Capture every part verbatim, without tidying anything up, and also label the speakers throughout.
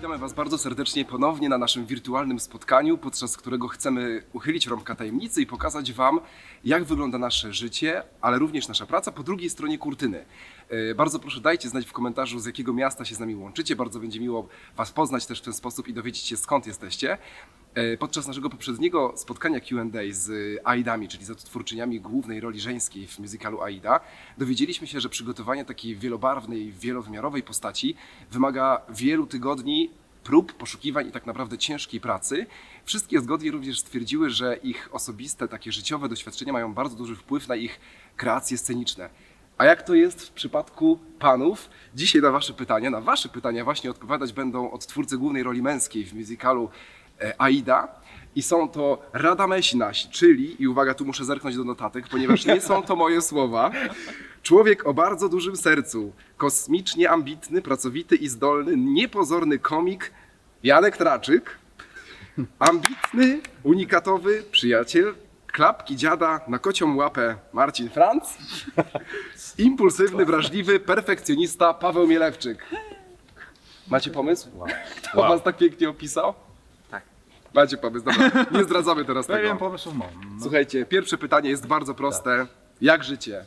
Speaker 1: Witamy Was bardzo serdecznie ponownie na naszym wirtualnym spotkaniu, podczas którego chcemy uchylić rąbka tajemnicy i pokazać Wam, jak wygląda nasze życie, ale również nasza praca po drugiej stronie kurtyny. Yy, Bardzo proszę, dajcie znać w komentarzu, z jakiego miasta się z nami łączycie. Bardzo będzie miło Was poznać też w ten sposób i dowiedzieć się, skąd jesteście. Yy, Podczas naszego poprzedniego spotkania Q and A z Aidami, czyli z odtwórczyniami głównej roli żeńskiej w musicalu Aida, dowiedzieliśmy się, że przygotowanie takiej wielobarwnej, wielowymiarowej postaci wymaga wielu tygodni prób, poszukiwań i tak naprawdę ciężkiej pracy. Wszystkie zgodnie również stwierdziły, że ich osobiste, takie życiowe doświadczenia mają bardzo duży wpływ na ich kreacje sceniczne. A jak to jest w przypadku panów? Dzisiaj na wasze pytania, na wasze pytania właśnie odpowiadać będą odtwórcy głównej roli męskiej w musicalu Aida. I są to Radamesi nasi, czyli, i uwaga, tu muszę zerknąć do notatek, ponieważ nie są to moje słowa, człowiek o bardzo dużym sercu, kosmicznie ambitny, pracowity i zdolny, niepozorny komik Janek Traczyk, ambitny, unikatowy przyjaciel, klapki dziada na kocią łapę Marcin Franc, impulsywny, wrażliwy, perfekcjonista Paweł Mielewczyk. Macie pomysł? Kto
Speaker 2: Wow.
Speaker 1: was tak pięknie opisał?
Speaker 3: Tak.
Speaker 1: Macie pomysł, dobra, nie zdradzamy teraz
Speaker 2: Pewien
Speaker 1: tego.
Speaker 2: pomysł mam. No.
Speaker 1: Słuchajcie, pierwsze pytanie jest bardzo proste. Jak życie?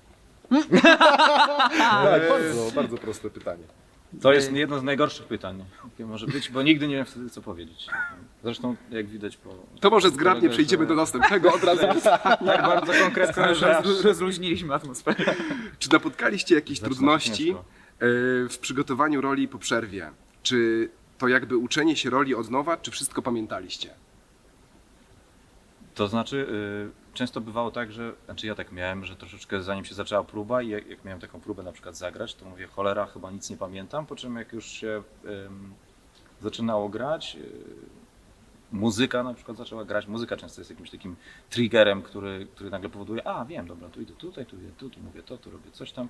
Speaker 4: Tak, bardzo, bardzo proste pytanie.
Speaker 2: To jest jedno z najgorszych pytań, jakie może być, bo nigdy nie wiem wtedy co powiedzieć. Zresztą jak widać po...
Speaker 1: To może zgrabnie
Speaker 2: kolegach,
Speaker 1: przejdziemy
Speaker 2: że-
Speaker 1: do następnego od razu.
Speaker 2: Tak bardzo konkretne, że aż
Speaker 3: Roz, rozluźniliśmy atmosferę.
Speaker 1: Czy napotkaliście jakieś
Speaker 2: zaczyna się
Speaker 1: trudności
Speaker 2: ciężko.
Speaker 1: e, w przygotowaniu roli po przerwie? Czy to jakby uczenie się roli od nowa, czy wszystko pamiętaliście?
Speaker 2: To znaczy, y, często bywało tak, że, znaczy ja tak miałem, że troszeczkę zanim się zaczęła próba i jak, jak miałem taką próbę na przykład zagrać, to mówię, cholera, chyba nic nie pamiętam, po czym jak już się ym, zaczynało grać, y, muzyka na przykład zaczęła grać, muzyka często jest jakimś takim triggerem, który, który nagle powoduje, a wiem, dobra, tu idę tutaj, tu idę tu, tu mówię to, tu robię coś tam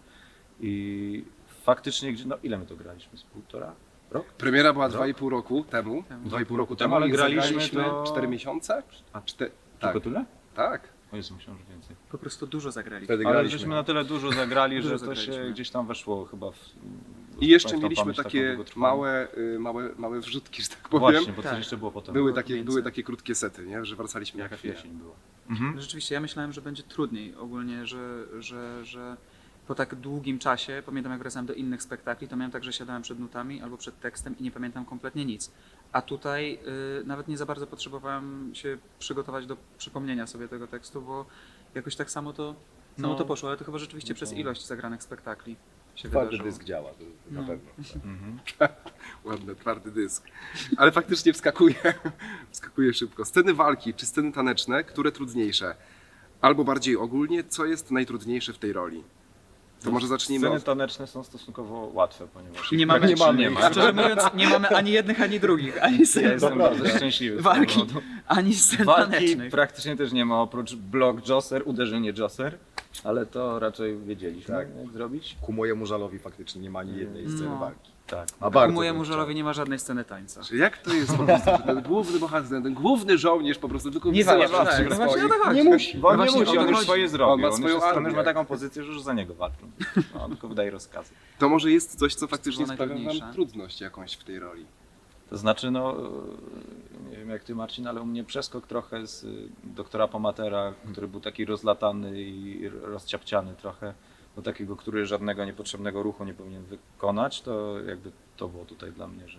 Speaker 2: i faktycznie, gdzie- no ile my to graliśmy, z półtora? Rok?
Speaker 1: Premiera była
Speaker 2: Rok?
Speaker 1: dwa i pół roku temu. Dwa i pół roku temu,
Speaker 2: ale
Speaker 1: ale
Speaker 2: graliśmy
Speaker 1: graliśmy
Speaker 2: to-
Speaker 1: cztery miesiące? A cztery. Tak,
Speaker 2: Tylko tyle?
Speaker 1: tak.
Speaker 2: O Jezu, myślałem, że więcej.
Speaker 3: Po prostu dużo zagrali.
Speaker 4: Wtedy
Speaker 2: Ale
Speaker 4: graliśmy.
Speaker 2: żeśmy na tyle dużo zagrali,
Speaker 3: Dużo
Speaker 2: że to się
Speaker 3: zagraliśmy.
Speaker 2: gdzieś tam weszło chyba w...
Speaker 1: I jeszcze
Speaker 2: w tą
Speaker 1: mieliśmy
Speaker 2: pamięć taką
Speaker 1: takie
Speaker 2: długotrwałą.
Speaker 1: małe, y, małe, małe wrzutki, że tak powiem.
Speaker 2: Właśnie, bo
Speaker 3: Tak.
Speaker 2: coś jeszcze było potem.
Speaker 1: Były
Speaker 3: było
Speaker 1: takie,
Speaker 3: między.
Speaker 1: były takie krótkie sety, nie? Że wracaliśmy na
Speaker 2: Jaka
Speaker 1: chwilę.
Speaker 2: jesień była. Mhm.
Speaker 3: No rzeczywiście, ja myślałem, że będzie trudniej ogólnie, że, że, że po tak długim czasie, pamiętam jak wracałem do innych spektakli, to miałem tak, że siadałem przed nutami albo przed tekstem i nie pamiętam kompletnie nic. A tutaj y, nawet nie za bardzo potrzebowałem się przygotować do przypomnienia sobie tego tekstu, bo jakoś tak samo to, samo
Speaker 2: No.
Speaker 3: to poszło, ale to chyba rzeczywiście
Speaker 2: No
Speaker 3: przez
Speaker 2: to-
Speaker 3: ilość zagranych spektakli się
Speaker 4: Twardy
Speaker 3: wydarzyło.
Speaker 4: dysk działa, to na
Speaker 3: No.
Speaker 4: pewno.
Speaker 2: Mhm.
Speaker 1: Ładny, twardy dysk. Ale faktycznie wskakuje, wskakuje szybko. Sceny walki czy sceny taneczne, które trudniejsze? Albo bardziej ogólnie, co jest najtrudniejsze w tej roli? To może zacznijmy
Speaker 2: Sceny
Speaker 1: od...
Speaker 2: taneczne są stosunkowo łatwe, ponieważ...
Speaker 3: I nie mamy,
Speaker 4: Nie mamy.
Speaker 2: Nie ma.
Speaker 3: Szczerze mówiąc, nie mamy ani jednych, ani drugich, ani
Speaker 2: Ja
Speaker 3: scen,
Speaker 2: jestem bardzo szczęśliwy. z
Speaker 3: walki,
Speaker 2: tego powodu.
Speaker 3: ani scen
Speaker 2: Walki
Speaker 3: tanecznych.
Speaker 2: praktycznie też nie ma, oprócz block josser, uderzenie josser, ale to raczej wiedzieliśmy,
Speaker 4: Tak.
Speaker 2: jak zrobić.
Speaker 4: Ku mojemu żalowi faktycznie nie ma ani jednej sceny
Speaker 3: No.
Speaker 4: walki.
Speaker 2: Tak.
Speaker 4: A
Speaker 3: U
Speaker 4: bardzo
Speaker 3: mojemu
Speaker 4: bym chciał.
Speaker 3: żalowi nie ma żadnej sceny tańca.
Speaker 1: Że Jak to jest po prostu, że ten główny bohater, ten główny żołnierz po prostu tylko
Speaker 3: Nie
Speaker 1: wysyła
Speaker 3: walczy,
Speaker 1: wszystkich
Speaker 3: tak, no właśnie
Speaker 1: swoich.
Speaker 3: o to chodzi.
Speaker 4: Nie musi.
Speaker 2: Bo on
Speaker 3: No
Speaker 2: nie
Speaker 3: właśnie,
Speaker 2: musi,
Speaker 3: o
Speaker 2: on
Speaker 3: to
Speaker 2: już
Speaker 3: chodzi.
Speaker 2: swoje zrobił.
Speaker 1: On ma swoją
Speaker 2: już, jest, on już
Speaker 1: armię.
Speaker 2: ma taką pozycję, że już za niego walczą. No, on tylko wydaje rozkazy.
Speaker 1: To może jest coś, co faktycznie
Speaker 3: było
Speaker 1: sprawia wam
Speaker 3: najtrudniejsze?
Speaker 1: trudność jakąś w tej roli.
Speaker 2: To znaczy, no, nie wiem jak ty Marcin, ale u mnie przeskok trochę z y, doktora Pomatera, który był taki rozlatany i rozciapciany trochę, do takiego, który żadnego niepotrzebnego ruchu nie powinien wykonać, to jakby to było tutaj dla mnie, że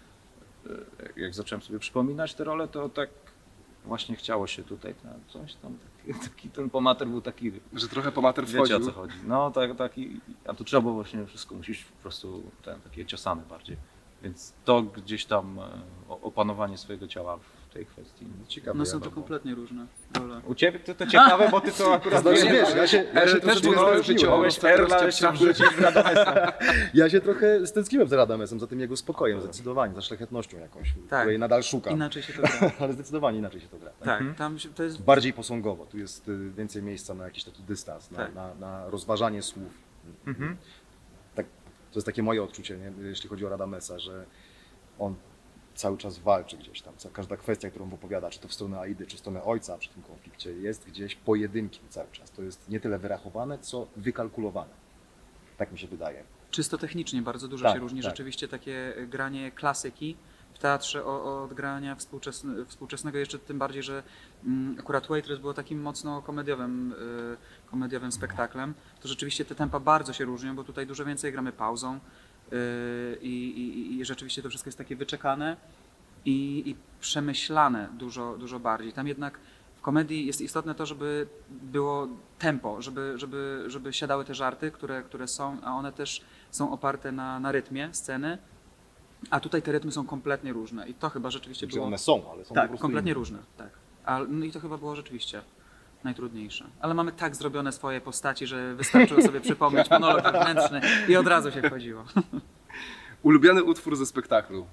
Speaker 2: y, jak zacząłem sobie przypominać te role, to tak właśnie chciało się tutaj na coś tam, taki, taki ten Pomater był taki,
Speaker 1: Że trochę pomater
Speaker 2: wiecie o
Speaker 1: wchodził.
Speaker 2: co chodzi. No tak, taki, a tu trzeba było właśnie wszystko, musisz po prostu ten, takie ciosane bardziej. Więc to gdzieś tam e, o- opanowanie swojego ciała w tej kwestii.
Speaker 4: Ciekawe.
Speaker 3: No są
Speaker 4: ja
Speaker 3: to
Speaker 4: mam-
Speaker 3: kompletnie różne role.
Speaker 2: U ciebie to, to ciekawe, bo ty to akurat
Speaker 4: Znaczy,
Speaker 2: wiesz,
Speaker 4: wiesz, ja się, ja
Speaker 1: Ale
Speaker 4: się
Speaker 1: też
Speaker 4: troszeczkę
Speaker 1: było
Speaker 4: stęskniłem.
Speaker 1: życiowe.
Speaker 2: Mogłeś Erla jeszcze wrzucić w Radamesa.
Speaker 4: Ja się trochę stęskniłem za Radamesem, za tym jego spokojem, zdecydowanie, za szlachetnością jakąś,
Speaker 3: Tak.
Speaker 4: której nadal szukam.
Speaker 3: Inaczej się to gra.
Speaker 4: Ale zdecydowanie inaczej się to gra.
Speaker 3: Tak,
Speaker 2: Mhm.
Speaker 3: tam się, to jest...
Speaker 4: Bardziej posągowo, tu jest y, więcej miejsca na jakiś taki dystans, na,
Speaker 3: Tak.
Speaker 4: na, na rozważanie słów.
Speaker 2: Mhm.
Speaker 4: Tak, to jest takie moje odczucie, nie? Jeśli chodzi o Radamesa, że on cały czas walczy gdzieś tam. Ca- Każda kwestia, którą opowiada, czy to w stronę Aidy, czy w stronę ojca przy tym konflikcie, jest gdzieś pojedynkiem cały czas. To jest nie tyle wyrachowane, co wykalkulowane. Tak mi się wydaje.
Speaker 3: Czysto technicznie bardzo dużo
Speaker 4: Tak,
Speaker 3: się różni.
Speaker 4: tak.
Speaker 3: Rzeczywiście takie granie klasyki w teatrze o- od grania współczesne, współczesnego, jeszcze tym bardziej, że mm, akurat Waitress było takim mocno komediowym, y, komediowym spektaklem, to rzeczywiście te tempa bardzo się różnią, bo tutaj dużo więcej gramy pauzą y, i, i, i rzeczywiście to wszystko jest takie wyczekane i, i przemyślane dużo, dużo bardziej. Tam jednak w komedii jest istotne to, żeby było tempo, żeby, żeby, żeby siadały te żarty, które, które są, a one też są oparte na, na rytmie sceny, a tutaj te rytmy są kompletnie różne i to chyba rzeczywiście
Speaker 4: Znaczy
Speaker 3: było...
Speaker 4: one są, ale są po
Speaker 3: Tak,
Speaker 4: prostu
Speaker 3: kompletnie
Speaker 4: inne.
Speaker 3: różne, tak. A, no i to chyba było rzeczywiście najtrudniejsze. Ale mamy tak zrobione swoje postaci, że wystarczyło sobie przypomnieć monolog wewnętrzny i od razu się wchodziło.
Speaker 1: Ulubiony utwór ze spektaklu.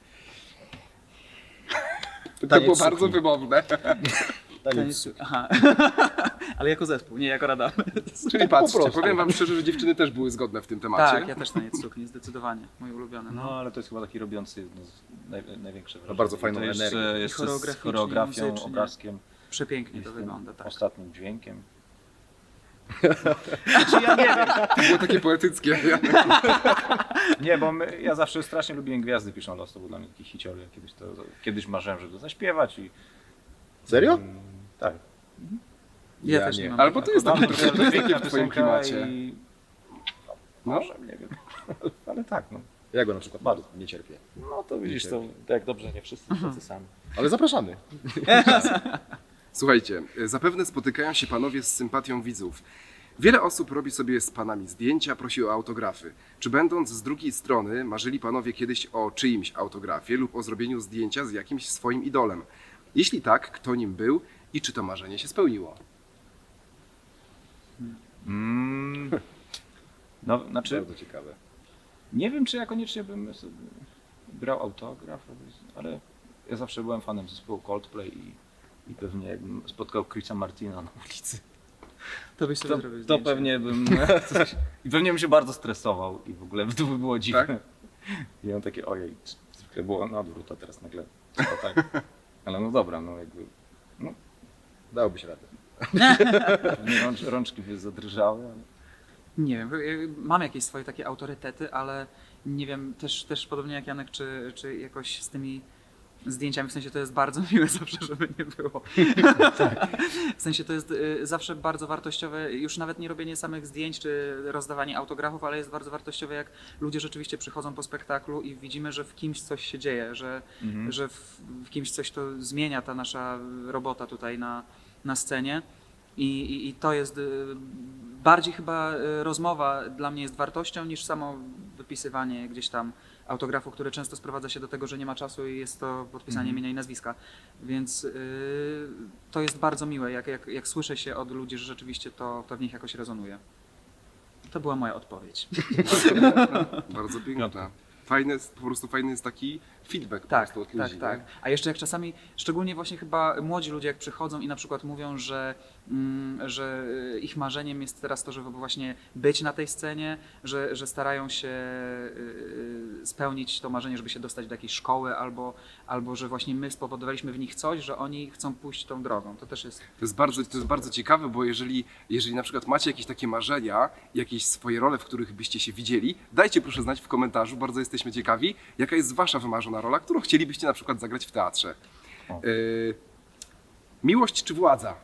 Speaker 1: To
Speaker 4: Taniec
Speaker 1: było
Speaker 4: sukni.
Speaker 1: bardzo wymowne.
Speaker 4: Taniec.
Speaker 3: Aha. Ale jako zespół, nie jako Radamy.
Speaker 1: Czyli patrzcie,
Speaker 4: prostu.
Speaker 1: powiem wam szczerze, że dziewczyny też były zgodne w tym temacie.
Speaker 3: Tak, ja też taniec sukni, zdecydowanie. Mój ulubiony.
Speaker 2: No,
Speaker 3: No.
Speaker 2: ale to jest chyba taki robiący no, z- naj, największe wrażenie.
Speaker 4: bardzo
Speaker 2: I
Speaker 4: fajną
Speaker 2: to jeszcze,
Speaker 4: energię.
Speaker 3: I
Speaker 2: jeszcze z
Speaker 3: choreograficznie,
Speaker 2: choreografią,
Speaker 3: muzycznie.
Speaker 2: obrazkiem
Speaker 3: Przepięknie
Speaker 2: i
Speaker 3: to
Speaker 2: z tym
Speaker 3: wygląda, tak.
Speaker 2: ostatnim dźwiękiem.
Speaker 1: To było takie poetyckie.
Speaker 2: Nie, bo my, ja zawsze strasznie lubiłem Gwiazdy piszą los, to był dla mnie taki hicior. Ja kiedyś, to, kiedyś marzyłem, żeby to zaśpiewać i...
Speaker 4: Serio?
Speaker 2: Mm, tak.
Speaker 3: Ja,
Speaker 4: Ja
Speaker 3: też
Speaker 4: nie.
Speaker 3: nie mam.
Speaker 1: Ale bo to jest
Speaker 2: Mam
Speaker 1: taki
Speaker 2: to
Speaker 1: trochę
Speaker 2: piękna
Speaker 1: pięknie w twoim
Speaker 2: piosenka
Speaker 1: klimacie.
Speaker 2: i...
Speaker 1: No.
Speaker 2: Może, nie wiem. Ale tak, no.
Speaker 4: Ja go na przykład
Speaker 2: Bardzo.
Speaker 4: nie cierpię.
Speaker 2: No to widzisz, to tak dobrze, nie wszyscy tacy sami.
Speaker 4: Ale zapraszamy.
Speaker 1: Słuchajcie, zapewne spotykają się panowie z sympatią widzów. Wiele osób robi sobie z panami zdjęcia, prosi o autografy. Czy będąc z drugiej strony marzyli panowie kiedyś o czyimś autografie lub o zrobieniu zdjęcia z jakimś swoim idolem? Jeśli tak, kto nim był i czy to marzenie się spełniło?
Speaker 2: Mm. No, znaczy,
Speaker 4: Bardzo ciekawe.
Speaker 2: nie wiem, czy ja koniecznie bym sobie brał autograf, ale ja zawsze byłem fanem zespołu Coldplay i, i pewnie jakbym spotkał Chrisa Martina na ulicy,
Speaker 3: To byś sobie
Speaker 2: to,
Speaker 3: zrobił
Speaker 2: to
Speaker 3: zdjęcie.
Speaker 2: pewnie bym coś, i pewnie bym się bardzo stresował i w ogóle to by było dziwne.
Speaker 1: Tak?
Speaker 2: I on takie, ojej, zwykle było na odwrót, a teraz nagle to tak. Ale no dobra, no jakby
Speaker 4: Dałoby się radę.
Speaker 2: pewnie rącz, rączki by zadrżały, ale...
Speaker 3: Nie wiem, y, mam jakieś swoje takie autorytety, ale nie wiem, też, też podobnie jak Janek, czy, czy jakoś z tymi zdjęciami, w sensie to jest bardzo miłe zawsze, żeby nie było. W sensie to jest y, zawsze bardzo wartościowe, już nawet nie robienie samych zdjęć, czy rozdawanie autografów, ale jest bardzo wartościowe, jak ludzie rzeczywiście przychodzą po spektaklu i widzimy, że w kimś coś się dzieje, że,
Speaker 2: Mhm.
Speaker 3: że w, w kimś coś to zmienia, ta nasza robota tutaj na, na scenie. I, i, I to jest y, bardziej chyba y, rozmowa dla mnie jest wartością niż samo wypisywanie gdzieś tam autografu, które często sprowadza się do tego, że nie ma czasu i jest to podpisanie
Speaker 2: Mhm.
Speaker 3: imienia i nazwiska. Więc y, to jest bardzo miłe, jak, jak, jak słyszę się od ludzi, że rzeczywiście to, to w nich jakoś rezonuje. To była moja odpowiedź.
Speaker 1: Bardzo piękna. Fajny, jest- po prostu fajny jest taki feedback po
Speaker 3: Tak,
Speaker 1: prostu od
Speaker 3: tak,
Speaker 1: ludzi.
Speaker 3: tak.
Speaker 1: nie?
Speaker 3: A jeszcze jak czasami, szczególnie właśnie chyba młodzi ludzie jak przychodzą i na przykład mówią, że, mm, że y, ich marzeniem jest teraz to, żeby właśnie być na tej scenie, że, że starają się y, y, spełnić to marzenie, żeby się dostać do jakiejś szkoły albo, albo że właśnie my spowodowaliśmy w nich coś, że oni chcą pójść tą drogą. To też jest
Speaker 1: To jest bardzo, to jest bardzo ciekawe, bo jeżeli, jeżeli na przykład macie jakieś takie marzenia, jakieś swoje role, w których byście się widzieli, dajcie proszę znać w komentarzu, bardzo jesteśmy ciekawi, jaka jest wasza wymarzona rola, którą chcielibyście na przykład zagrać w teatrze.
Speaker 2: O.
Speaker 1: Yy, miłość czy władza?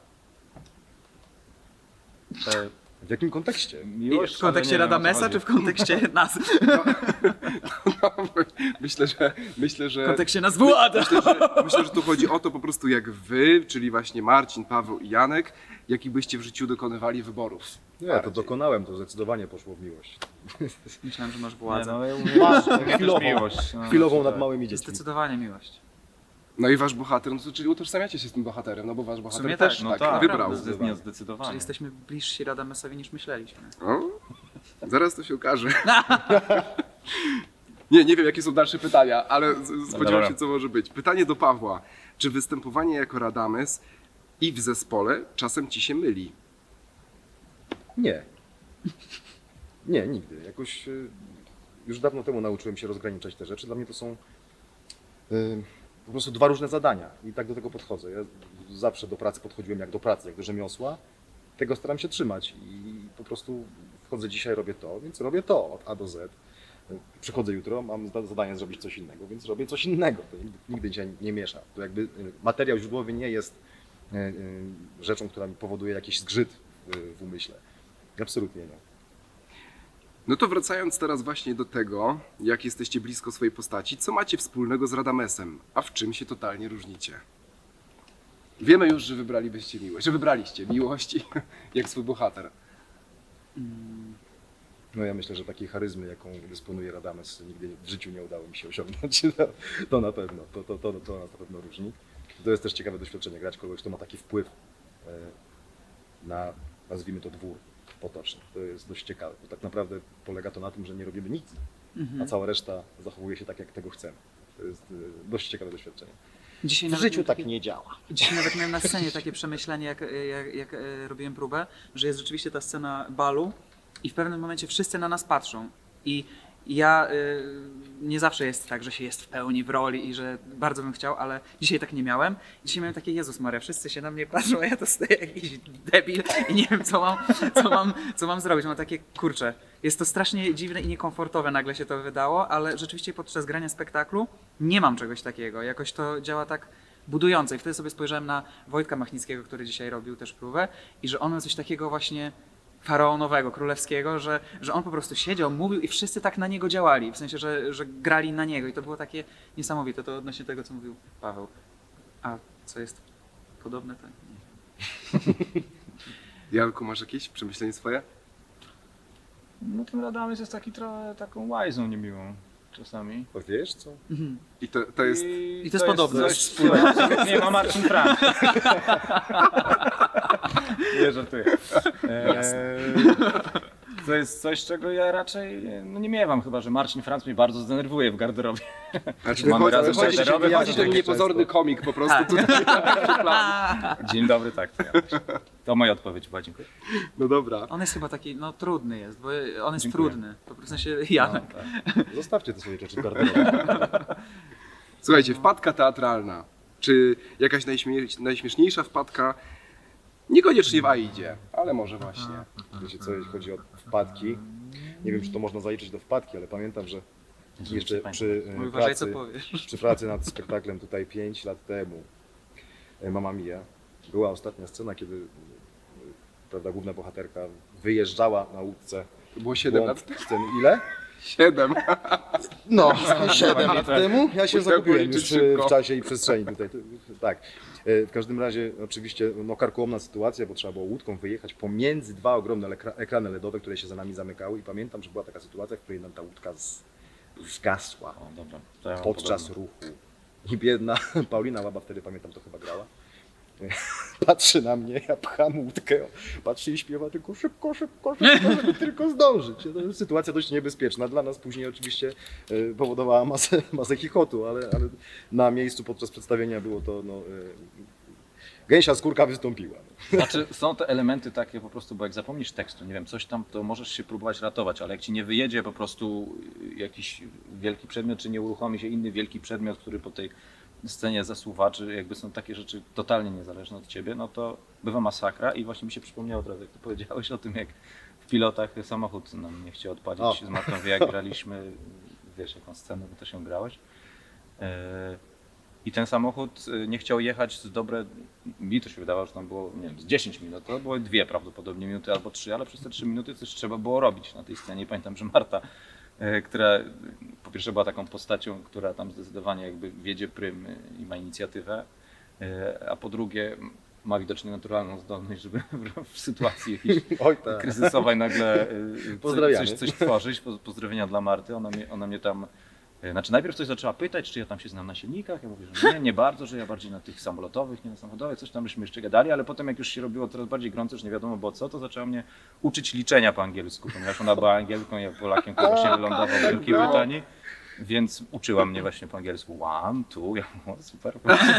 Speaker 2: E,
Speaker 4: W jakim kontekście?
Speaker 2: miłość,
Speaker 3: w kontekście
Speaker 2: ale nie wiem, o co
Speaker 3: Radamesa
Speaker 2: chodzi.
Speaker 3: czy w kontekście nas?
Speaker 1: No, myślę, że myślę, że
Speaker 3: W kontekście nas władza!
Speaker 1: myślę, że myślę, że tu chodzi o to po prostu jak wy, czyli właśnie Marcin, Paweł i Janek, jakich byście w życiu dokonywali wyborów.
Speaker 4: Nie, ja to dokonałem, to zdecydowanie poszło w miłość.
Speaker 3: Myślałem, że masz
Speaker 2: Nie,
Speaker 3: władzę.
Speaker 2: no, ja mówię,
Speaker 4: Masz,
Speaker 2: ja też
Speaker 4: chwilową.
Speaker 2: miłość. No,
Speaker 4: Chwilową
Speaker 2: znaczy,
Speaker 4: nad
Speaker 2: tak.
Speaker 4: małymi dziećmi.
Speaker 3: Zdecydowanie miłość.
Speaker 1: No i wasz bohater, no to czyli utożsamiacie się z tym bohaterem, no bo wasz bohater
Speaker 3: sumie
Speaker 1: też
Speaker 3: tak,
Speaker 2: No
Speaker 1: tak,
Speaker 2: tak,
Speaker 1: wybrał.
Speaker 2: zde- nie, zdecydowanie.
Speaker 3: Czyli jesteśmy bliżsi Radamesowi niż myśleliśmy.
Speaker 1: O, zaraz to się okaże. Nie, nie wiem jakie są dalsze pytania, ale z- spodziewam
Speaker 2: dobra.
Speaker 1: się co może być. Pytanie do Pawła. Czy występowanie jako Radames i w zespole czasem ci się myli?
Speaker 4: Nie. Nie, nigdy. Jakoś y, już dawno temu nauczyłem się rozgraniczać te rzeczy. Dla mnie to są y, po prostu dwa różne zadania i tak do tego podchodzę. Ja zawsze do pracy podchodziłem jak do pracy, jak do rzemiosła. Tego staram się trzymać i po prostu wchodzę dzisiaj, robię to, więc robię to od A do Z. Przychodzę jutro, mam za- zadanie zrobić coś innego, więc robię coś innego. To nigdy, nigdy się nie miesza. To jakby y, materiał źródłowy nie jest y, y, rzeczą, która mi powoduje jakiś zgrzyt w, w umyśle. Absolutnie nie.
Speaker 1: No to wracając teraz właśnie do tego, jak jesteście blisko swojej postaci, co macie wspólnego z Radamesem, a w czym się totalnie różnicie? Wiemy już, że wybralibyście miłość, że wybraliście miłość jak swój bohater.
Speaker 4: No ja myślę, że takiej charyzmy, jaką dysponuje Radames, nigdy w życiu nie udało mi się osiągnąć. To, to na pewno, to, to, to, to nas na pewno różni. To jest też ciekawe doświadczenie, grać kogoś, kto ma taki wpływ e, na, nazwijmy to, dwór potoczny. To jest dość ciekawe, bo tak naprawdę polega to na tym, że nie robimy nic, a cała reszta zachowuje się tak, jak tego chcemy. To jest e, dość ciekawe doświadczenie.
Speaker 3: Dzisiaj
Speaker 4: W
Speaker 3: nawet
Speaker 4: życiu
Speaker 3: miałem
Speaker 4: tak
Speaker 3: takie-
Speaker 4: nie działa.
Speaker 3: Dzisiaj nawet miałem na scenie takie przemyślenie, jak, jak, jak e, robiłem próbę, że jest rzeczywiście ta scena balu i w pewnym momencie wszyscy na nas patrzą. I ja e, nie zawsze jest tak, że się jest w pełni w roli i że bardzo bym chciał, ale dzisiaj tak nie miałem. Dzisiaj miałem takie, Jezus Maria, wszyscy się na mnie patrzą, a ja to stoję jak jakiś debil i nie wiem, co mam, co mam, co mam zrobić. Mam takie, kurczę, jest to strasznie dziwne i niekomfortowe nagle się to wydało, ale rzeczywiście podczas grania spektaklu nie mam czegoś takiego. Jakoś to działa tak budująco. I wtedy sobie spojrzałem na Wojtka Machnickiego, który dzisiaj robił też próbę i że on ma coś takiego właśnie faraonowego, królewskiego, że, że on po prostu siedział, mówił i wszyscy tak na niego działali, w sensie, że, że grali na niego i to było takie niesamowite. To odnośnie tego, co mówił Paweł. A co jest podobne, to nie.
Speaker 1: Janku, masz jakieś przemyślenie swoje?
Speaker 2: No ten Radames jest taki trochę taką łajzą niemiłą czasami.
Speaker 4: Bo wiesz co?
Speaker 3: Mhm.
Speaker 1: I to, to jest...
Speaker 3: I to jest podobne.
Speaker 2: Coś wspólnego. Nie ma Marcin Frank. Nie żartuję. Eee, to jest coś, czego ja raczej no nie miewam, chyba że Marcin Franc mnie bardzo zdenerwuje w garderobie.
Speaker 1: Znaczy,
Speaker 2: Mamy
Speaker 1: wychodzi,
Speaker 2: razem
Speaker 1: wychodzi,
Speaker 2: garderobę,
Speaker 1: wychodzi
Speaker 2: bardzo
Speaker 1: ten
Speaker 2: często.
Speaker 1: niepozorny komik po prostu tutaj.
Speaker 2: Dzień dobry, tak. To, ja myślę. To moja odpowiedź była, dziękuję.
Speaker 1: No dobra.
Speaker 3: On jest chyba taki, no trudny jest, bo on jest
Speaker 2: Dziękuję.
Speaker 3: trudny. Po prostu w sensie Janek.
Speaker 2: No, tak.
Speaker 4: Zostawcie te swoje rzeczy w garderobie.
Speaker 1: Słuchajcie, wpadka teatralna, czy jakaś najśmie- najśmieszniejsza wpadka, niekoniecznie w Aidzie, ale może właśnie.
Speaker 4: Wiecie co, jeśli chodzi o wpadki, nie wiem, czy to można zaliczyć do wpadki, ale pamiętam, że jeszcze przy e,
Speaker 3: Uważaj, co
Speaker 4: pracy,
Speaker 3: powiesz.
Speaker 4: przy pracy nad spektaklem tutaj pięć lat temu, e, Mamma Mia, była ostatnia scena, kiedy e, prawda, główna bohaterka wyjeżdżała na łódce.
Speaker 1: To było siedem
Speaker 4: Głąb
Speaker 1: lat.
Speaker 4: sceny. Ile?
Speaker 1: siedem.
Speaker 4: No, siedem lat temu. Ja się
Speaker 1: Musiałem
Speaker 4: zagubiłem
Speaker 1: policzyć
Speaker 4: już e,
Speaker 1: szybko.
Speaker 4: w czasie i przestrzeni tutaj. To- Tak. E, W każdym razie oczywiście no, karkołomna sytuacja, bo trzeba było łódką wyjechać pomiędzy dwa ogromne lekra- ekrany ledowe, które się za nami zamykały i pamiętam, że była taka sytuacja, w której nam ta łódka z, zgasła
Speaker 2: O, dobra. To ja mam
Speaker 4: podczas
Speaker 2: podobne.
Speaker 4: ruchu. I biedna Paulina Łaba, wtedy pamiętam, to chyba grała. Patrzy na mnie, ja pcham łódkę, patrzy i śpiewa tylko szybko, szybko, szybko, żeby tylko zdążyć. To jest sytuacja dość niebezpieczna. Dla nas później oczywiście e, powodowała masę, masę chichotu, ale, ale na miejscu podczas przedstawienia było to, no, e, gęsia skórka wystąpiła.
Speaker 2: Znaczy, są te elementy takie po prostu, bo jak zapomnisz tekstu, nie wiem, coś tam, to możesz się próbować ratować, ale jak ci nie wyjedzie po prostu jakiś wielki przedmiot, czy nie uruchomi się inny wielki przedmiot, który po tej scenie zasuwa, czy jakby są takie rzeczy totalnie niezależne od ciebie, no to bywa masakra i właśnie mi się przypomniało teraz, jak ty powiedziałeś o tym, jak w pilotach samochód nam nie chciał odpalić
Speaker 4: O.
Speaker 2: z Martą, jak graliśmy, wiesz jaką scenę, bo też ją grałeś. E, I ten samochód y, nie chciał jechać z dobre, mi to się wydawało, że tam było, nie wiem, z dziesięć minut, to były dwie prawdopodobnie minuty albo trzy, ale przez te trzy minuty coś trzeba było robić na tej scenie. Pamiętam, że Marta, y, która y, po pierwsze była taką postacią, która tam zdecydowanie jakby wiedzie prym y, i ma inicjatywę, y, a po drugie ma widocznie naturalną zdolność, żeby w, w sytuacji jakiejś
Speaker 4: Oj tak.
Speaker 2: kryzysowej nagle y,
Speaker 4: Pozdrawiamy.
Speaker 2: coś, coś tworzyć. Po- Pozdrowienia dla Marty, ona mnie, ona mnie tam E, Znaczy najpierw coś zaczęła pytać, czy ja tam się znam na silnikach, ja mówię, że nie, nie bardzo, że ja bardziej na tych samolotowych, nie na samochodowych, coś tam byśmy jeszcze gadali, ale potem jak już się robiło coraz bardziej gorąco, już nie wiadomo było co, to zaczęła mnie uczyć liczenia po angielsku, ponieważ ona była Angielką, ja Polakiem, który właśnie wylądował w Wielkiej
Speaker 1: No.
Speaker 2: Brytanii, więc uczyła mnie właśnie po angielsku one, two, ja mówię, o, super.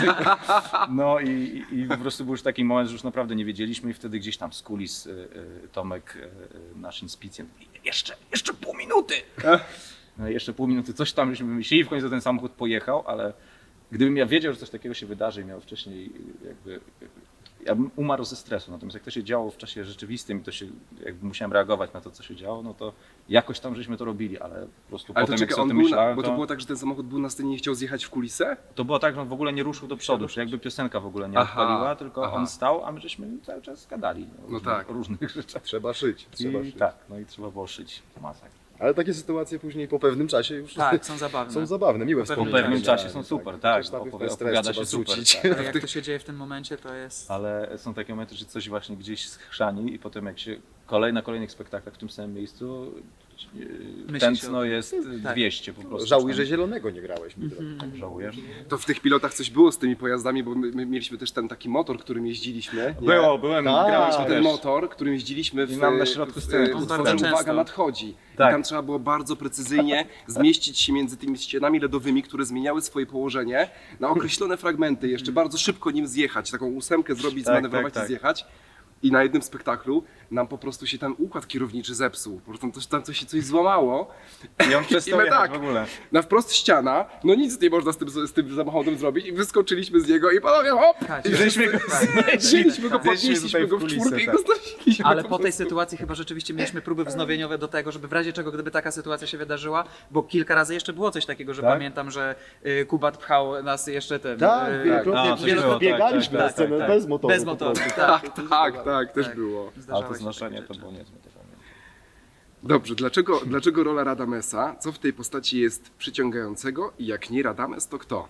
Speaker 2: No i, i po prostu był już taki moment, że już naprawdę nie wiedzieliśmy i wtedy gdzieś tam z kulis y, y, Tomek, y, y, nasz inspicjent, jeszcze, jeszcze pół minuty. No i jeszcze pół minuty coś tam żeśmy wymyślili, w końcu ten samochód pojechał, ale gdybym ja wiedział, że coś takiego się wydarzy i miał wcześniej jakby ja bym umarł ze stresu. Natomiast jak to się działo w czasie rzeczywistym i to się, jakby musiałem reagować na to, co się działo, no to jakoś tam żeśmy to robili, ale po prostu
Speaker 1: Ale
Speaker 2: potem
Speaker 1: to
Speaker 2: jak
Speaker 1: czekaj,
Speaker 2: sobie o
Speaker 1: on
Speaker 2: tym
Speaker 1: był na,
Speaker 2: myślałem,
Speaker 1: bo to
Speaker 2: to,
Speaker 1: było tak, że ten samochód był na scenie i nie chciał zjechać w kulisę?
Speaker 2: to było tak, że on w ogóle nie ruszył do przodu, że jakby piosenka w ogóle nie
Speaker 1: Aha,
Speaker 2: odpaliła, tylko
Speaker 1: aha.
Speaker 2: on stał, a my żeśmy cały czas gadali o różnych,
Speaker 1: tak.
Speaker 2: o różnych rzeczach.
Speaker 4: Trzeba szyć, trzeba
Speaker 2: I
Speaker 4: szyć.
Speaker 2: tak, no i trzeba było szyć masakra.
Speaker 4: Ale takie sytuacje później po pewnym czasie już
Speaker 3: Tak, są zabawne.
Speaker 4: są zabawne, miłe
Speaker 3: Po pewnym
Speaker 2: Po
Speaker 4: wspomnienia.
Speaker 2: pewnym czasie są super, tak,
Speaker 4: Przecież najpierw
Speaker 2: opowi-
Speaker 4: ten stres
Speaker 2: opowiada
Speaker 4: trzeba
Speaker 2: się super,
Speaker 4: zrzucić.
Speaker 2: tak.
Speaker 3: Ale jak to się dzieje w tym momencie, to jest...
Speaker 2: Ale są takie momenty, że coś właśnie gdzieś schrzani i potem jak się kolej na kolejnych spektaklach w tym samym miejscu yy,
Speaker 3: Myśli
Speaker 2: tętno
Speaker 3: się o-
Speaker 2: jest
Speaker 3: Tak.
Speaker 2: dwieście po prostu.
Speaker 4: Żałuj,
Speaker 2: Czy
Speaker 4: że
Speaker 2: tam-
Speaker 4: zielonego nie grałeś, mi
Speaker 3: Mhm.
Speaker 4: drogi.
Speaker 2: Tak, żałujesz?
Speaker 1: To w tych pilotach coś było z tymi pojazdami, bo my, my mieliśmy też ten taki motor, którym jeździliśmy. nie?
Speaker 2: Było, byłem,
Speaker 4: Tak.
Speaker 2: grałeś
Speaker 1: To
Speaker 2: też.
Speaker 1: ten motor, którym jeździliśmy w,
Speaker 2: I nam na środku
Speaker 1: w,
Speaker 2: sceny
Speaker 1: w
Speaker 2: to
Speaker 1: utworze
Speaker 3: bardzo
Speaker 1: Uwaga
Speaker 3: często.
Speaker 1: nadchodzi.
Speaker 2: Tak.
Speaker 1: I tam trzeba było bardzo precyzyjnie zmieścić się między tymi ścianami ledowymi, które zmieniały swoje położenie na określone fragmenty, jeszcze bardzo szybko nim zjechać, taką ósemkę zrobić,
Speaker 2: Tak,
Speaker 1: zmanewrować
Speaker 2: tak,
Speaker 1: i
Speaker 2: tak.
Speaker 1: zjechać. I na jednym spektaklu nam po prostu się ten układ kierowniczy zepsuł. Po prostu tam coś, tam coś się coś złamało.
Speaker 2: I on przestał
Speaker 1: I my
Speaker 2: jechać
Speaker 1: tak.
Speaker 2: w ogóle.
Speaker 1: Na wprost ściana, no nic nie można z tym, z tym samochodem zrobić i wyskoczyliśmy z niego i panowie hop!
Speaker 3: Tak,
Speaker 1: I
Speaker 2: żeśmy go
Speaker 1: Wzięliśmy go,
Speaker 3: Tak.
Speaker 1: podnieśliśmy
Speaker 2: tutaj
Speaker 1: go
Speaker 2: w
Speaker 1: w
Speaker 2: kulisy,
Speaker 1: czwórkę i
Speaker 2: tak.
Speaker 1: go znosiliśmy.
Speaker 3: Ale
Speaker 1: po
Speaker 3: po tej
Speaker 1: prostu.
Speaker 3: sytuacji chyba rzeczywiście mieliśmy próby wznowieniowe do tego, żeby w razie czego, gdyby taka sytuacja się wydarzyła, bo kilka razy jeszcze było coś takiego, że
Speaker 2: Tak?
Speaker 3: pamiętam, że y, Kubat pchał nas jeszcze ten...
Speaker 4: Tak,
Speaker 3: y,
Speaker 4: wielokrotnie
Speaker 2: a, coś było,
Speaker 4: biegaliśmy
Speaker 2: tak,
Speaker 4: na
Speaker 2: tak,
Speaker 4: scenę
Speaker 2: tak, tak.
Speaker 4: bez motoru.
Speaker 3: Bez
Speaker 4: po
Speaker 3: motoru,
Speaker 4: prostu.
Speaker 3: tak.
Speaker 1: Tak, tak, też
Speaker 3: Tak.
Speaker 1: było.
Speaker 2: A
Speaker 3: Zdarzały
Speaker 2: to
Speaker 3: się
Speaker 2: znoszenie
Speaker 3: takie
Speaker 2: to
Speaker 3: rzeczy.
Speaker 2: było niezłe. To pamiętam.
Speaker 1: Dobrze, dlaczego, dlaczego rola Radamesa? Co w tej postaci jest przyciągającego i jak nie Radames, to kto?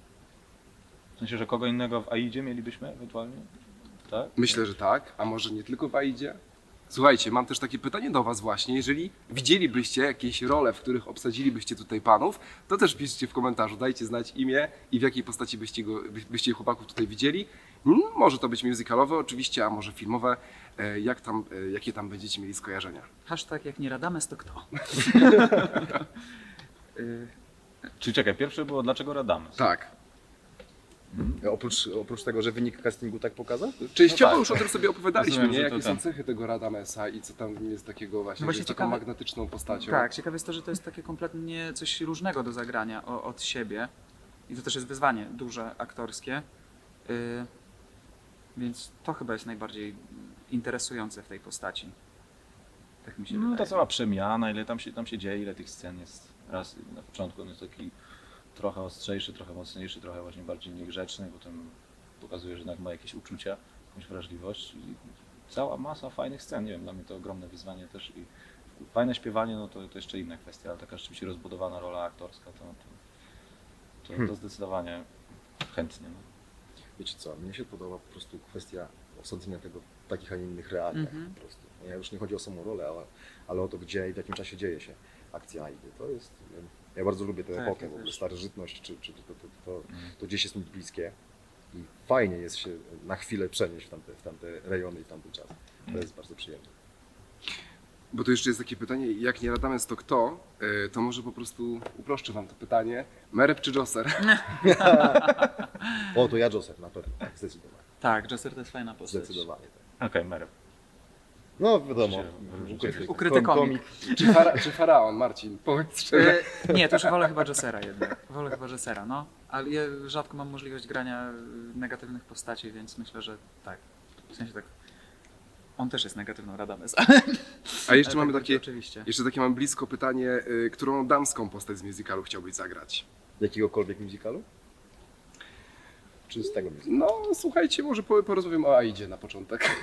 Speaker 2: W sensie, że kogo innego w Aidzie mielibyśmy ewentualnie? Tak?
Speaker 1: Myślę, że tak, a może nie tylko w Aidzie? Słuchajcie, mam też takie pytanie do was właśnie. Jeżeli widzielibyście jakieś role, w których obsadzilibyście tutaj panów, to też piszcie w komentarzu, dajcie znać imię i w jakiej postaci byście, go, by- byście chłopaków tutaj widzieli. Hmm, może to być musicalowe oczywiście, a może filmowe. E, Jak tam, e, jakie tam będziecie mieli skojarzenia?
Speaker 3: Hashtag jak nie Radames, to kto? Y,
Speaker 2: Czyli czekaj, pierwsze było dlaczego Radames?
Speaker 1: Tak.
Speaker 4: Oprócz, oprócz tego, że wynik castingu tak pokazał?
Speaker 1: Częściowo
Speaker 2: No tak.
Speaker 1: już o tym sobie opowiadaliśmy,
Speaker 2: Rozumiem,
Speaker 1: nie?
Speaker 2: że
Speaker 1: Jakie
Speaker 2: to
Speaker 1: są
Speaker 2: ten.
Speaker 1: cechy tego Radamesa i co tam jest takiego właśnie,
Speaker 3: No właśnie
Speaker 1: że jest taką
Speaker 3: ciekawe-
Speaker 1: magnetyczną postacią.
Speaker 3: Tak, ciekawe jest to, że to jest takie kompletnie coś różnego do zagrania o, od siebie. I to też jest wyzwanie duże, aktorskie. Y, więc to chyba jest najbardziej interesujące w tej postaci. Tak mi się
Speaker 2: No
Speaker 3: wydaje.
Speaker 2: ta cała przemiana, ile tam się, tam się dzieje, ile tych scen jest. Raz na początku on jest taki trochę ostrzejszy, trochę mocniejszy, trochę właśnie bardziej niegrzeczny, potem pokazuje, że jednak ma jakieś uczucia, jakąś wrażliwość. I cała masa fajnych scen, nie wiem, dla mnie to ogromne wyzwanie też i fajne śpiewanie, no to, to jeszcze inna kwestia, ale taka rzeczywiście rozbudowana rola aktorska, to, to, to, to zdecydowanie chętnie. No.
Speaker 4: Wiecie co, mnie się podoba po prostu kwestia osadzenia tego w takich, a nie innych realiach
Speaker 3: Mhm.
Speaker 4: po prostu. Ja już nie chodzi o samą rolę, ale, ale o to, gdzie i w jakim czasie dzieje się akcja Aidy. To jest, em, ja bardzo lubię tę
Speaker 3: Tak,
Speaker 4: epokę,
Speaker 3: ja
Speaker 4: w ogóle
Speaker 3: też.
Speaker 4: starożytność, czy, czy to, to, to, to,
Speaker 2: Mhm.
Speaker 4: to gdzieś jest mi bliskie i fajnie jest się na chwilę przenieść w tamte, w tamte rejony i w tamten czas. To jest bardzo przyjemne.
Speaker 1: Bo tu jeszcze jest takie pytanie, jak nie Radames, to kto? E, To może po prostu uproszczę wam to pytanie. Mereb czy Josser?
Speaker 4: O, to ja Joseph, na pewno, tak, zdecydowanie.
Speaker 3: Tak, Josser to jest fajna postać.
Speaker 4: Zdecydowanie tak.
Speaker 2: Okej, Mereb.
Speaker 4: No wiadomo,
Speaker 2: Się wyróżni.
Speaker 4: ukryty,
Speaker 3: Ukryty komik.
Speaker 1: Czy, fara, czy Faraon, Marcin? Powiedz szczerze.
Speaker 3: Y, nie, to już wolę chyba Jossera jednak. Wolę chyba Jossera, no. Ale ja rzadko mam możliwość grania y, negatywnych postaci, więc myślę, że tak. W sensie tak. On też jest negatywną Radames.
Speaker 1: A jeszcze
Speaker 3: Ale
Speaker 1: mamy
Speaker 3: tak,
Speaker 1: takie,
Speaker 3: Oczywiście.
Speaker 1: jeszcze takie mam blisko pytanie, y, którą damską postać z musicalu chciałbyś zagrać?
Speaker 4: jakiegokolwiek musicalu? Czy z tego musicalu?
Speaker 1: No, słuchajcie, może po- porozmawiam o Aidzie na początek.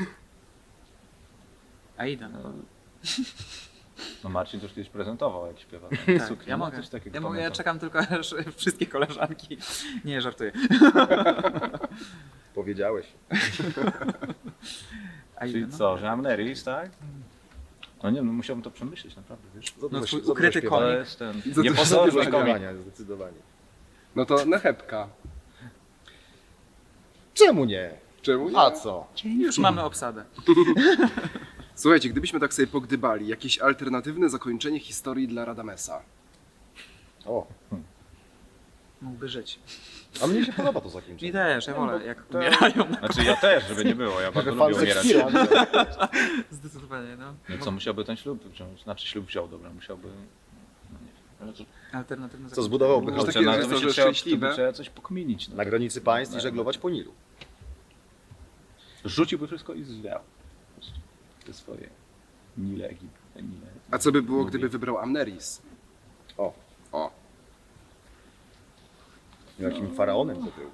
Speaker 3: Aida, no.
Speaker 2: No Marcin to już kiedyś prezentował, jak śpiewa.
Speaker 3: Tak,
Speaker 2: Suknię,
Speaker 3: ja
Speaker 2: no,
Speaker 3: mogę.
Speaker 2: coś takiego
Speaker 3: Ja, mogę, ja
Speaker 2: pamiętam.
Speaker 3: czekam tylko, aż wszystkie koleżanki. Nie, żartuję.
Speaker 4: Powiedziałeś.
Speaker 3: Aida,
Speaker 2: Czyli
Speaker 3: no.
Speaker 2: co, że Amneris, tak? No nie, no musiałbym to przemyśleć, naprawdę, wiesz.
Speaker 4: Za
Speaker 3: No,
Speaker 4: dużo-
Speaker 3: twój
Speaker 4: za dużo
Speaker 3: ukryty
Speaker 4: śpiewania.
Speaker 2: To
Speaker 3: komik.
Speaker 2: jest ten
Speaker 1: Za-
Speaker 2: niepozorny
Speaker 4: Za dużo
Speaker 2: komik.
Speaker 4: śpiewania, zdecydowanie.
Speaker 1: No to Nechebka.
Speaker 4: Czemu nie?
Speaker 1: Czemu nie?
Speaker 4: A co?
Speaker 3: Już mamy obsadę.
Speaker 1: Słuchajcie, gdybyśmy tak sobie pogdybali, jakieś alternatywne zakończenie historii dla Radamesa.
Speaker 4: O,
Speaker 3: Mógłby żyć.
Speaker 4: a mnie się podoba to
Speaker 3: Mi
Speaker 4: zakończenie.
Speaker 3: też, ja wolę jak
Speaker 2: to-
Speaker 3: umierają.
Speaker 2: Znaczy ja też, żeby nie było, ja bardzo
Speaker 4: Trochę
Speaker 2: lubię
Speaker 4: fan
Speaker 2: umierać.
Speaker 4: Szekspira.
Speaker 3: Zdecydowanie, no.
Speaker 2: No co, musiałby ten ślub wziąć, znaczy ślub wziął, dobra, musiałby... No nie wiem. Znaczy,
Speaker 3: Alternatywne
Speaker 4: Co zbudowałby
Speaker 1: Może
Speaker 4: chaos
Speaker 1: takie,
Speaker 2: na-
Speaker 1: że
Speaker 2: to by
Speaker 1: to,
Speaker 2: się
Speaker 1: że
Speaker 2: trzeba, to
Speaker 1: szczęśliwe.
Speaker 2: by trzeba coś pokminić. No.
Speaker 4: na granicy państw i żeglować po Nilu.
Speaker 2: Rzuciłby wszystko i zwiał. Po prostu te swoje Nile Egiptu. Nile,
Speaker 1: A co by było,
Speaker 2: Nubie.
Speaker 1: gdyby wybrał Amneris?
Speaker 4: O,
Speaker 1: O,
Speaker 4: jakim faraonem to był.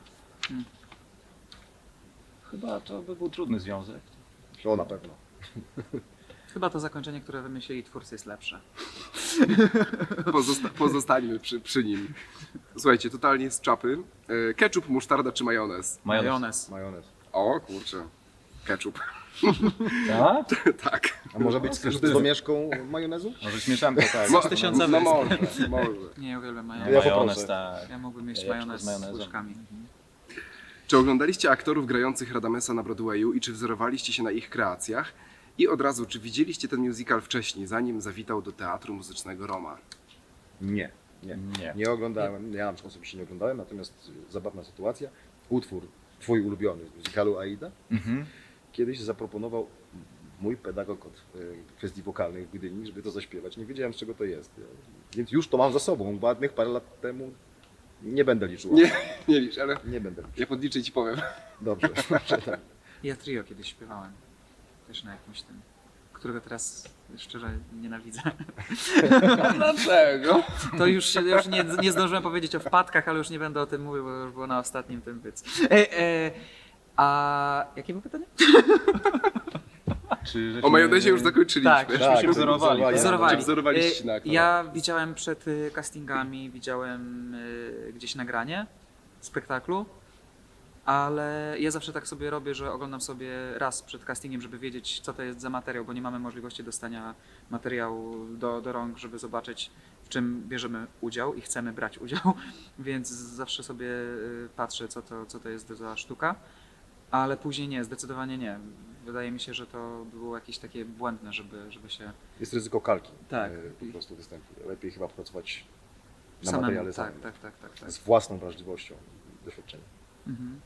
Speaker 2: Chyba to by był trudny związek.
Speaker 4: O, na pewno.
Speaker 3: Chyba to zakończenie, które wymyślili twórcy, jest lepsze.
Speaker 1: pozosta- pozostańmy przy, przy nim. Słuchajcie, totalnie z czapy. E, Ketchup, musztarda czy majonez?
Speaker 2: Majonez.
Speaker 3: Majonez.
Speaker 4: Majonez.
Speaker 1: O kurczę, ketchup.
Speaker 2: Tak?
Speaker 1: Tak.
Speaker 4: A może być też z domieszką majonezu?
Speaker 2: Może śmieszanka, tak.
Speaker 1: Mo-
Speaker 3: tysiąca
Speaker 1: no
Speaker 3: wysp.
Speaker 1: może, może.
Speaker 3: Nie, ja uwielbiam
Speaker 2: No,
Speaker 3: majonez.
Speaker 4: Ja
Speaker 2: majonez,
Speaker 4: poproszę.
Speaker 2: tak.
Speaker 3: Ja mógłbym mieć
Speaker 2: Jajeczko
Speaker 3: majonez
Speaker 2: z
Speaker 3: z
Speaker 2: majonezem.
Speaker 3: łyżkami.
Speaker 1: Czy oglądaliście aktorów grających Radamesa na Broadwayu i czy wzorowaliście się na ich kreacjach? I od razu, czy widzieliście ten musical wcześniej, zanim zawitał do Teatru Muzycznego Roma?
Speaker 4: Nie, nie.
Speaker 2: Nie.
Speaker 4: Nie oglądałem, ja na przykład osobiście nie oglądałem, natomiast zabawna sytuacja. Utwór, twój ulubiony z musicalu Aida,
Speaker 2: Mhm.
Speaker 4: kiedyś zaproponował mój pedagog od e, kwestii wokalnych w Gdyni, żeby to zaśpiewać. Nie wiedziałem, z czego to jest. Więc już to mam za sobą. Ładnych parę lat temu nie będę liczył.
Speaker 1: Nie, nie licz, ale
Speaker 4: Nie będę liczył.
Speaker 1: ja podliczę i ci powiem.
Speaker 4: Dobrze, dobrze, tak.
Speaker 3: Ja trio kiedyś śpiewałem. Też na jakimś tym, którego teraz szczerze nienawidzę.
Speaker 1: Dlaczego?
Speaker 3: To już, się, już nie, nie zdążyłem powiedzieć o wpadkach, ale już nie będę o tym mówił, bo już było na ostatnim tym więc. E, e, a jakie było pytanie?
Speaker 2: Czy
Speaker 1: O majonezie już zakończyliśmy.
Speaker 3: Tak.
Speaker 2: Żeśmy
Speaker 4: Tak,
Speaker 2: się wzorowali.
Speaker 4: wzorowali.
Speaker 3: Wzorowali.
Speaker 1: Czy wzorowaliście się na
Speaker 3: E,
Speaker 1: aktorach?
Speaker 3: Ja widziałem przed y, castingami, widziałem y, gdzieś nagranie spektaklu, ale ja zawsze tak sobie robię, że oglądam sobie raz przed castingiem, żeby wiedzieć, co to jest za materiał, bo nie mamy możliwości dostania materiału do, do rąk, żeby zobaczyć, w czym bierzemy udział i chcemy brać udział, więc zawsze sobie y, patrzę, co to, co to jest za sztuka, ale później nie, zdecydowanie nie. Wydaje mi się, że to było jakieś takie błędne, żeby, żeby się
Speaker 4: Jest ryzyko kalki.
Speaker 3: Tak.
Speaker 4: e, Po prostu występu. Lepiej chyba pracować na
Speaker 3: samemu...
Speaker 4: materiale
Speaker 3: Tak,
Speaker 4: samym.
Speaker 3: tak, tak, tak, tak.
Speaker 4: Z własną wrażliwością, doświadczeniem.
Speaker 3: Mhm.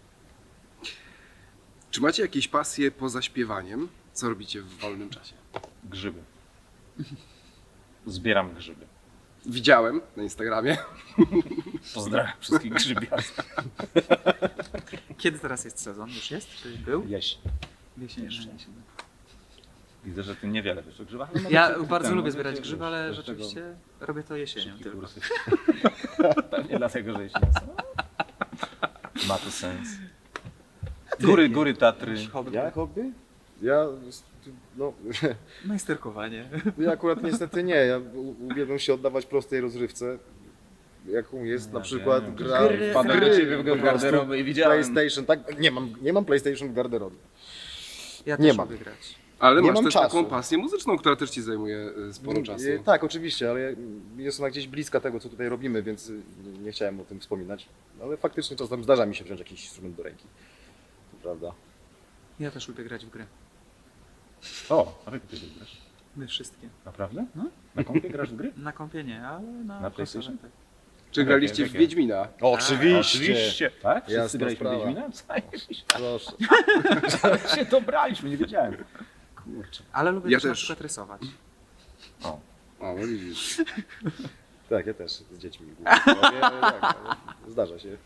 Speaker 1: Czy macie jakieś pasje poza śpiewaniem? Co robicie w wolnym czasie?
Speaker 2: Grzyby. Zbieram grzyby.
Speaker 1: Widziałem na Instagramie.
Speaker 2: Pozdrawiam wszystkich grzybiarstw.
Speaker 3: Kiedy teraz jest sezon? Już jest? Czy był?
Speaker 2: Jeść.
Speaker 3: Jesień.
Speaker 2: Jeszcze.
Speaker 3: jesień.
Speaker 2: Widzę, że ty niewiele wiesz o grzybach. ale
Speaker 3: Ja
Speaker 2: może
Speaker 3: bardzo
Speaker 2: ten,
Speaker 3: lubię
Speaker 2: może
Speaker 3: zbierać
Speaker 2: cię,
Speaker 3: grzyby,
Speaker 2: wiesz,
Speaker 3: ale
Speaker 2: do tego
Speaker 3: rzeczywiście robię to jesienią
Speaker 2: szybkie
Speaker 3: tylko.
Speaker 2: kursy. Pewnie dlatego, że jesień są. Ma to sens. Góry, góry Tatry.
Speaker 4: Ja hobby? Ja, no,
Speaker 3: Majsterkowanie.
Speaker 4: ja akurat niestety nie. Ja u- uwielbiam się oddawać prostej rozrywce, jaką jest na
Speaker 2: Ja
Speaker 4: przykład
Speaker 2: wiem.
Speaker 4: gra
Speaker 3: Gry.
Speaker 4: w
Speaker 2: Wpadłem
Speaker 4: gry,
Speaker 2: do ciebie w
Speaker 4: po prostu.
Speaker 2: garderobę i widziałem.
Speaker 4: PlayStation, tak? Nie mam, nie mam PlayStation w garderobie.
Speaker 3: Ja
Speaker 4: Nie
Speaker 3: też
Speaker 4: mam.
Speaker 3: lubię grać.
Speaker 1: Ale
Speaker 4: Nie
Speaker 1: masz
Speaker 4: mam
Speaker 1: też
Speaker 4: czasu.
Speaker 1: taką pasję muzyczną, która też ci zajmuje e, sporo czasu.
Speaker 4: E, Tak, oczywiście, ale jest ona gdzieś bliska tego, co tutaj robimy, więc y, nie chciałem o tym wspominać. Ale faktycznie czasem zdarza mi się wziąć jakiś instrument do ręki. To prawda.
Speaker 3: Ja też lubię grać w gry.
Speaker 2: O, a jak ty grasz?
Speaker 3: My wszystkie.
Speaker 2: Naprawdę?
Speaker 3: No.
Speaker 2: Na kompie grasz w gry?
Speaker 3: Na kompie nie, ale na,
Speaker 2: Na
Speaker 3: konsolę,
Speaker 2: PlayStation?
Speaker 3: tak.
Speaker 1: Czy
Speaker 2: Jakie,
Speaker 1: graliście w
Speaker 2: jakie?
Speaker 1: Wiedźmina?
Speaker 2: Oczywiście. Tak? Wszyscy
Speaker 4: Jasna
Speaker 2: graliśmy w
Speaker 4: sprawa.
Speaker 2: Wiedźmina? Zajebiście.
Speaker 4: Proszę.
Speaker 2: się dobraliśmy, nie wiedziałem. Kurczę.
Speaker 3: Ale lubię
Speaker 1: Ja
Speaker 3: też, na
Speaker 1: też.
Speaker 3: przykład rysować.
Speaker 2: O,
Speaker 1: O, no widzisz.
Speaker 4: Tak, ja też z dziećmi. głównie. Ale tak, ale zdarza się.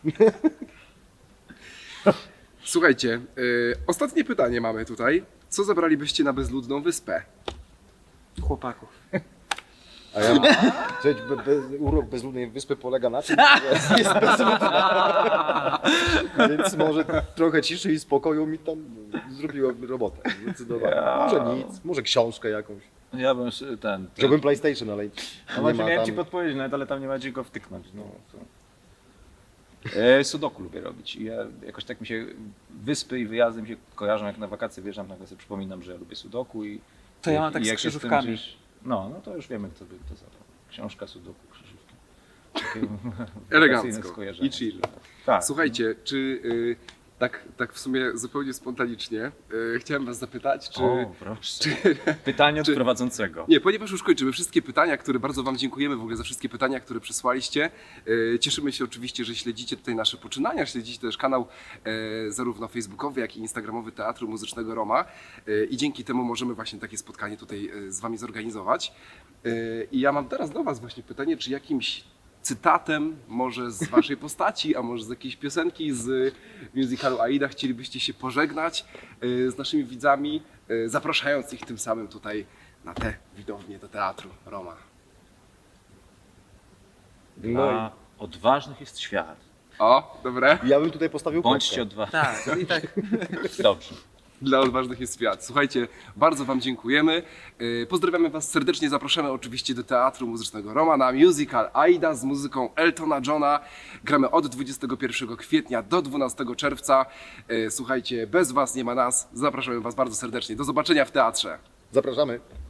Speaker 1: Słuchajcie, y, ostatnie pytanie mamy tutaj. Co zabralibyście na bezludną wyspę?
Speaker 3: Chłopaków.
Speaker 4: A ja mam. Słuchajcie, be, be, urok bezludnej wyspy polega na tym, że jest bezludna. Więc może trochę ciszy i spokoju mi tam zrobiłoby robotę. Zdecydowanie.
Speaker 2: Ja.
Speaker 4: Może nic, może książkę jakąś.
Speaker 2: ja bym s- ten...
Speaker 4: Wziąłbym PlayStation, ale
Speaker 2: No
Speaker 4: nie
Speaker 2: właśnie
Speaker 4: ma
Speaker 2: miałem
Speaker 4: tam...
Speaker 2: ci podpowiedzieć, nawet, ale tam nie ma gdzie go wtyknąć. No, to... e, sudoku lubię robić. I ja jakoś tak mi się wyspy i wyjazdy mi się kojarzą, jak na wakacje wjeżdżam, nagle sobie przypominam, że ja lubię sudoku i...
Speaker 3: To ja
Speaker 2: i-
Speaker 3: mam tak
Speaker 2: i
Speaker 3: z
Speaker 2: jak się tym
Speaker 3: krzyżówkami.
Speaker 2: gdzieś- No, no to już wiemy, kto by to zabrał. Książka, sudoku, krzyżówki. Takie
Speaker 1: Elegancko.
Speaker 2: wakacyjne skojarzenia.
Speaker 1: I chill.
Speaker 2: Tak.
Speaker 1: Słuchajcie, czy y, tak, tak w sumie zupełnie spontanicznie y, chciałem was zapytać, czy...
Speaker 2: O, proszę. Pytanie od
Speaker 1: czy-
Speaker 2: prowadzącego.
Speaker 1: Nie, ponieważ już kończymy wszystkie pytania, które bardzo wam dziękujemy w ogóle za wszystkie pytania, które przysłaliście. E, Cieszymy się oczywiście, że śledzicie tutaj nasze poczynania, śledzicie też kanał e, zarówno facebookowy, jak i instagramowy Teatru Muzycznego Roma e, i dzięki temu możemy właśnie takie spotkanie tutaj e, z wami zorganizować. E, I ja mam teraz do was właśnie pytanie, czy jakimś cytatem, może z waszej postaci, a może z jakiejś piosenki z musicalu Aida chcielibyście się pożegnać y, z naszymi widzami, y, zapraszając ich tym samym tutaj na tę widownię do Teatru Roma.
Speaker 4: No
Speaker 2: Dla odważnych jest świat.
Speaker 1: O, dobre.
Speaker 4: i ja bym tutaj postawił
Speaker 2: Bądźcie
Speaker 4: kropkę.
Speaker 2: odważni.
Speaker 3: Tak, i tak.
Speaker 2: Dobrze.
Speaker 1: Dla odważnych jest świat. Słuchajcie, bardzo wam dziękujemy. Yy, Pozdrawiamy was serdecznie, zapraszamy oczywiście do Teatru Muzycznego Roma na musical Aida z muzyką Eltona Johna. Gramy od dwudziestego pierwszego kwietnia do dwunastego czerwca. Yy, Słuchajcie, bez was nie ma nas. Zapraszamy was bardzo serdecznie. Do zobaczenia w teatrze.
Speaker 4: Zapraszamy.